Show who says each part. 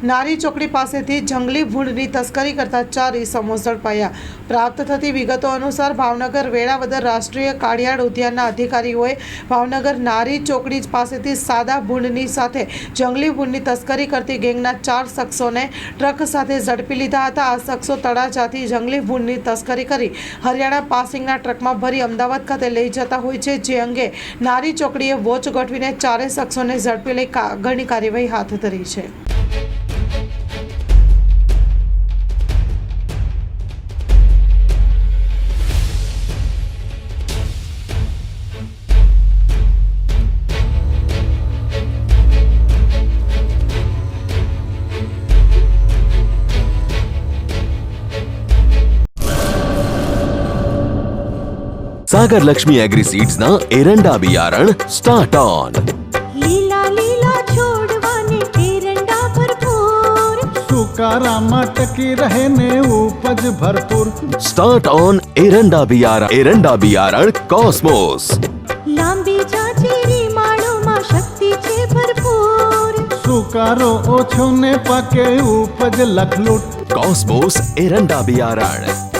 Speaker 1: નારી ચોકડી પાસેથી જંગલી ભૂંડની તસ્કરી કરતા 4 ઇસમો ઝડપાયા। પ્રાપ્ત થતી વિગતો અનુસાર ભાવનગર વેળાવદર રાષ્ટ્રીય કાળિયાડ ઉદ્યાનના અધિકારીઓએ ભાવનગર નારી ચોકડી પાસેથી સાદા ભૂંડની સાથે જંગલી ભૂંડની તસ્કરી કરતી ગેંગના 4 શખ્સોને ટ્રક સાથે ઝડપી લીધા હતા। આ શખ્સો તળાજાથી જંગલી ભૂંડની તસ્કરી કરી હરિયાણા પાસિંગના ટ્રકમાં ભરી અમદાવાદ ખાતે લઈ જતા હોય છે, જે અંગે નારી ચોકડીએ વોચ ગોઠવીને 4 શખ્સોને ઝડપી લઈ આગળની કાર્યવાહી હાથ ધરી છે।
Speaker 2: सागर लक्ष्मी एग्रीसीड्स ना एरंडा बियारण स्टार्ट ऑन।
Speaker 3: લીલા લીલા છોડવાને એરંડા ભરપૂર,
Speaker 4: સુકારામાં ટકી રહે ને ઉપજ ભરપૂર।
Speaker 2: स्टार्ट ऑन एरंडा बियारण कॉस्मोस।
Speaker 3: લાંબી જાચેરી માળોમાં શક્તિ છે ભરપૂર,
Speaker 4: સુકારો ઓછો ને પાકે ઉપજ લખલૂટ।
Speaker 2: कॉस्मोस एरंडा बियारण।